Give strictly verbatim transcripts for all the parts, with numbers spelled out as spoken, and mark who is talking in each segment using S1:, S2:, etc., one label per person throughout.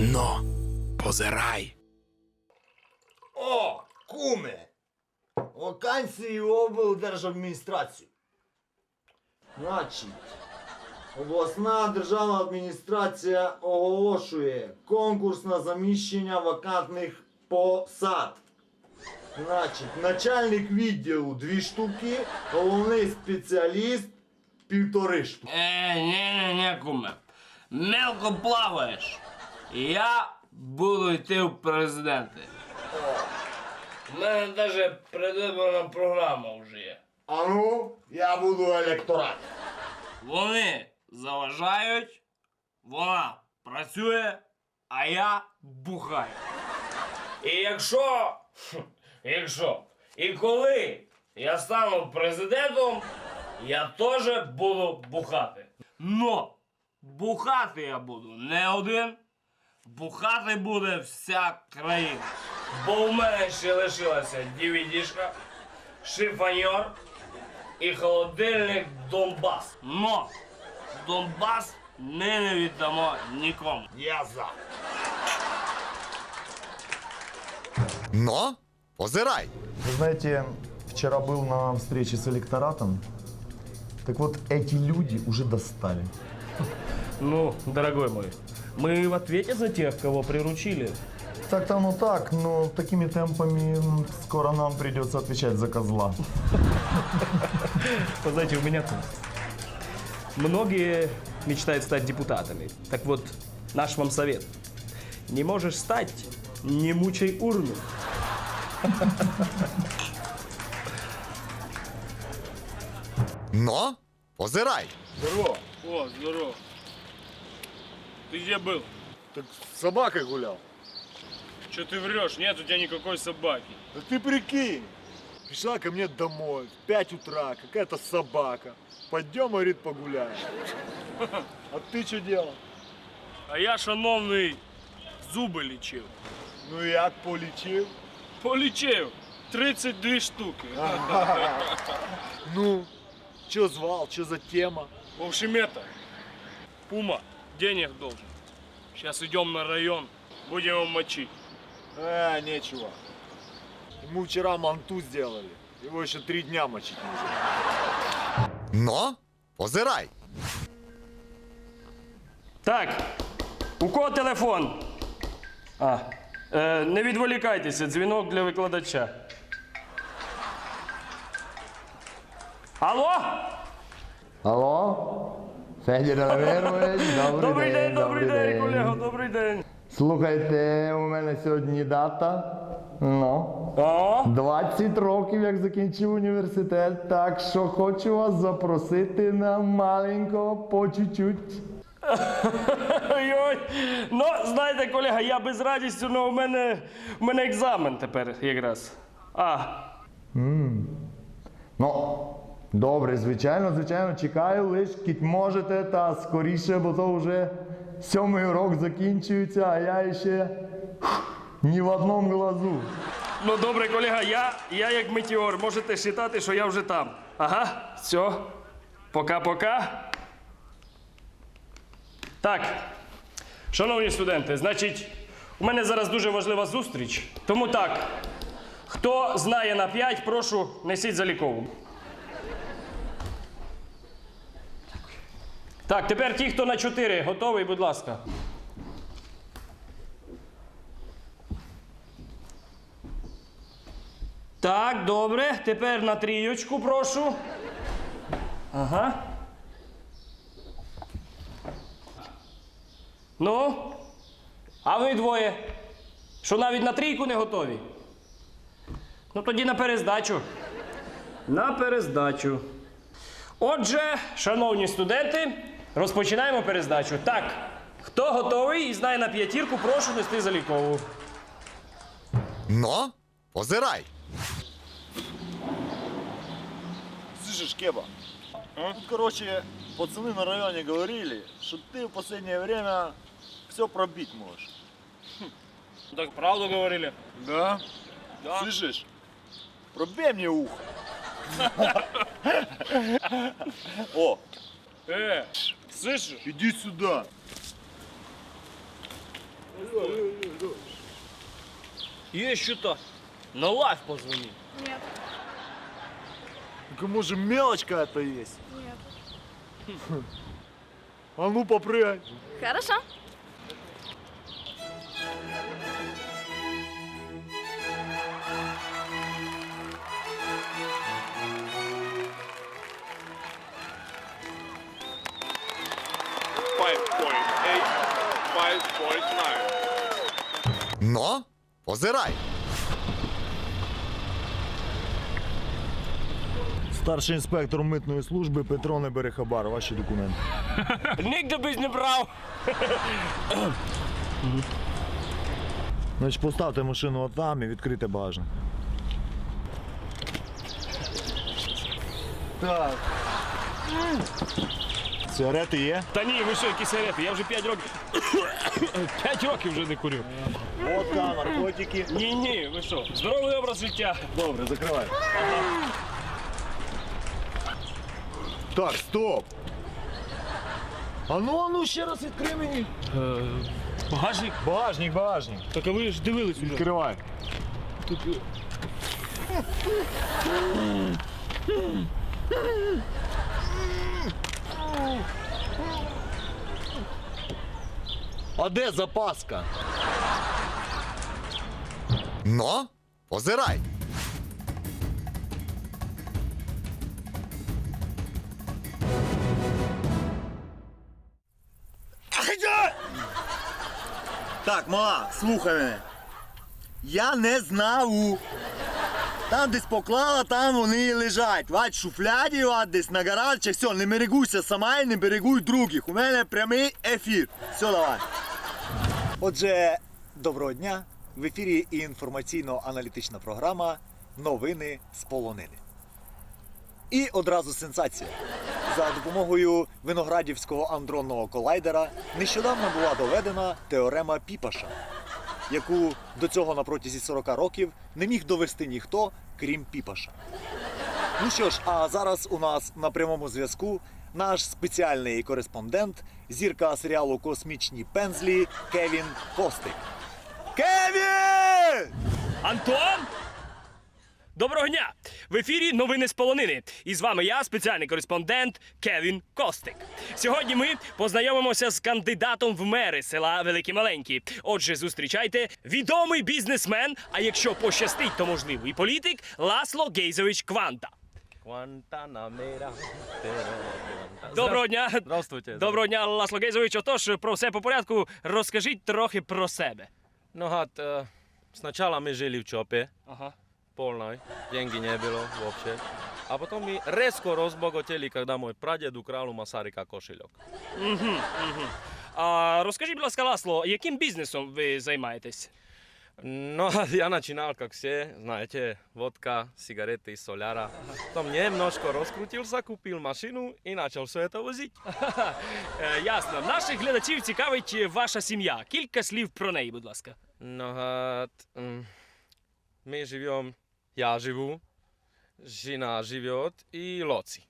S1: Но, позирай.
S2: О, куме! Вакансії в облдержадміністрацію. Значить, обласна державна адміністрація оголошує конкурс на заміщення вакантних посад. Значить, начальник відділу дві штуки, головний спеціаліст півтори штуки.
S3: Е, не-не-не, куме. Мелко плаваєш. Я буду йти в президенти. У мене навіть предвиборна програма вже є.
S2: А ну, я буду електорат.
S3: Вони заважають, вона працює, а я бухаю. І якщо, якщо, і коли я стану президентом, я теж буду бухати. Но бухати я буду не один, бухати буде вся країна. Бо в мене ще лишилася ді ві ді-шка, шифоньор і холодильник Донбас. Но Донбас ми не віддамо нікому.
S2: Я за.
S1: Но, позирай.
S4: Вы знаете, вчера был на встрече с электоратом. Так вот, эти люди уже достали.
S5: Ну, дорогой мой, мы в ответе за тех, кого приручили.
S4: Так-то оно так, но такими темпами м, скоро нам придется отвечать за козла.
S5: Вы знаете, у меня тут. Многие мечтают стать депутатами. Так вот, наш вам совет. Не можешь стать, не мучай урну.
S1: Но, позирай.
S6: Здорово. О, здорово. Ты где был?
S2: Так с собакой гулял.
S6: Че ты врешь? Нет у тебя никакой собаки.
S2: Да ты прикинь, пришла ко мне домой в пять утра какая-то собака. Пойдем, говорит, погуляем. А ты что делал?
S6: А я, шановний, зуби лічив.
S2: Ну як полечил?
S6: Полічив. тридцать дві штуки.
S2: Ну, что звал, что за тема?
S6: В общем, это, Пума денег должен. Сейчас идем на район, будем его мочить.
S2: А, нечего. Ему вчера манту сделали. Его еще три дня мочить нельзя.
S1: Но, позирай.
S5: Так, у кого телефон? А, е, не відволікайтеся, дзвінок для викладача. Алло?
S7: Алло? Федір Равирович, добрий,
S5: Добрий день, добрий день,
S7: день.
S5: колего, добрий день.
S7: Слухайте, у мене сьогодні дата. Ну,
S5: О,
S7: двадцять років, як закінчив університет, так що хочу вас запросити на маленького по чуть-чуть.
S5: ой-ой. Ну, знаєте, колега, я без радістю, але у мене, у мене екзамен тепер якраз. А,
S7: Ну, добре, звичайно, звичайно, чекаю, лиш кіть можете, та скоріше, бо то вже сьомий урок закінчується, а я ще ні в одному глазу.
S5: ну добре, колега, я, я як метеор, можете вважати, що я вже там. Ага, все, пока-пока. Так, шановні студенти, значить, у мене зараз дуже важлива зустріч, тому так, хто знає на п'ять, прошу, несіть залікову. Так, тепер ті, хто на чотири, готовий, будь ласка. Так, добре, тепер на трійочку, прошу. Ага. Ну, а ви двоє, що навіть на трійку не готові? Ну тоді на перездачу. На перездачу. Отже, шановні студенти, розпочинаємо перездачу. Так, хто готовий і знає на п'ятірку, прошу нести залікову.
S1: Но, позирай.
S2: Слышишь, Кеба? Тут, короче, пацаны на районе говорили, что ты в последнее время все пробить можешь.
S6: Так правду говорили?
S2: Да?
S6: Да.
S2: Слышишь? Пробей мне ухо. О,
S6: Э, слышишь?
S2: иди сюда.
S6: Есть что-то? На лайф позвони.
S8: Нет,
S2: Так, может, мелочь какая-то есть?
S8: нет.
S2: А ну, попрыгай.
S8: Хорошо.
S9: five point eight, five point nine.
S1: Но позирай.
S2: Старший інспектор митної служби Петро не бере хабар. Ваші документи.
S5: Ніде без не брав.
S2: Значить, поставте машину отам і відкрийте багажник. Так. Сигарети є?
S6: Та ні, ви що, які сигарети? Я вже п'ять років. п'ять років вже не курю.
S2: Водка, наркотики.
S6: Ні, ні, ви що? Здоровий образ життя.
S2: Добре, закривай. Так, стоп. А ну, а ну, ще раз відкрий мені.
S6: Багажник?
S2: Багажник, багажник.
S6: Так а ви ж дивились сюди.
S2: Відкривай. А де запаска?
S1: Но позирай.
S2: Так, мала, слухай мене. Я не знав. Там десь поклала, там вони і лежать. Вать в шуфляді, вать десь на гаражчах. Все, не мерегуйся сама і не берегуй других. У мене прямий ефір. Все, давай. Отже, доброго дня. В ефірі інформаційно-аналітична програма «Новини з полонини». І одразу сенсація. За допомогою виноградівського андронного колайдера нещодавно була доведена теорема Піпаша, яку до цього на протязі сорока років не міг довести ніхто, крім Піпаша. Ну що ж, а зараз у нас на прямому зв'язку наш спеціальний кореспондент, зірка серіалу «Космічні пензлі» Кевін Костик. Кевін!
S6: Антон! Доброго дня! В ефірі новини з полонини. І з вами я, спеціальний кореспондент Кевін Костик. Сьогодні ми познайомимося з кандидатом в мери села Великі Маленькі. Отже, зустрічайте відомий бізнесмен, а якщо пощастить, то можливо і політик Ласло Гейзович Кванта. Доброго дня!
S10: Здравствуйте.
S6: Доброго дня, Ласло Гейзович. Отож, про все по порядку, розкажіть трохи про себе.
S10: No hat, uh, sначала мы жили в ЧОПе,
S6: Ага.
S10: полной, деньги не было вообще. А потом мы резко разбогатели, когда мой прадед украл у Масарика кошелек.
S6: Угу, угу. А розкажіть, будь ласка, Ласло, яким бізнесом ви займаєтесь?
S10: No a я начинал, как все, знаете, водка, сигареты, соляра. Потом немножко раскрутился, купил машину и начал все это возить.
S6: Е, ясно. Наших глядачів цікавить ваша сім'я. Кілька слів про неї, будь ласка.
S10: No hat, um, мы живем, я живу, жена живет и Лоци.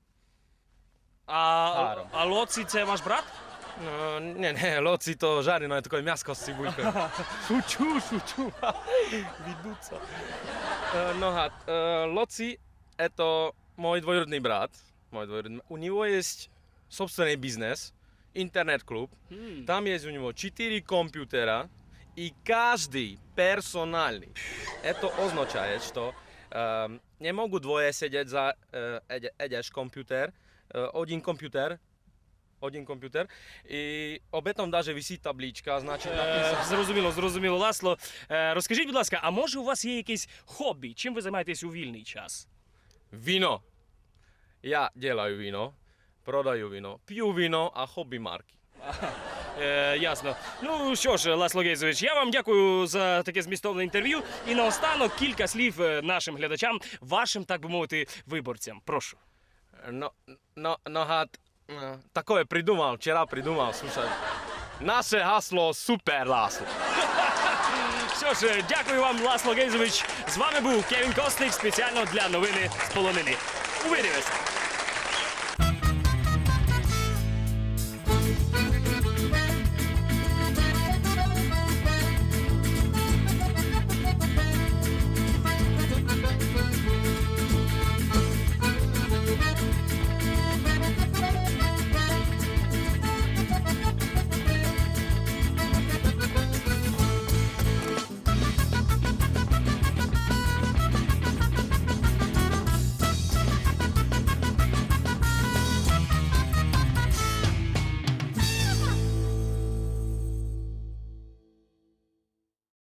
S6: А,
S10: Гарно.
S6: а Лоці це ваш брат?
S10: No, nie, nie, Loci to žareno je такое мяско с цибулькой. Шучу, шучу. Ведутся. No, hat, Loci это мой двоюродный брат. Мой двоюродный. У него есть собственный бизнес, интернет-клуб. Там есть у него четыре компьютера и каждый персональный. Это означает, что э, не могут двое сидеть за э, один компьютер, э, один компьютер, один комп'ютер, і об этом даже висить табличка, значить
S6: Е,
S10: написано.
S6: зрозуміло, зрозуміло, Ласло. Е, розкажіть, будь ласка, а може у вас є якесь хобі? Чим ви займаєтесь у вільний час?
S10: Вино. Я делаю вино, продаю вино, п'ю вино, а хобі марки.
S6: Е, ясно. Ну що ж, Ласло Гейзович, я вам дякую за таке змістовне інтерв'ю. І наостанок кілька слів е, нашим глядачам, вашим, так би мовити, виборцям. Прошу.
S10: Но, но, но гад, э, такое придумал, вчера придумал, слушай. Наше гасло супер Ласло.
S6: Що ж, е, дякую вам, Ласло Гейзович. З вами був Кевін Костик спеціально для новини з полонини. Увидимося!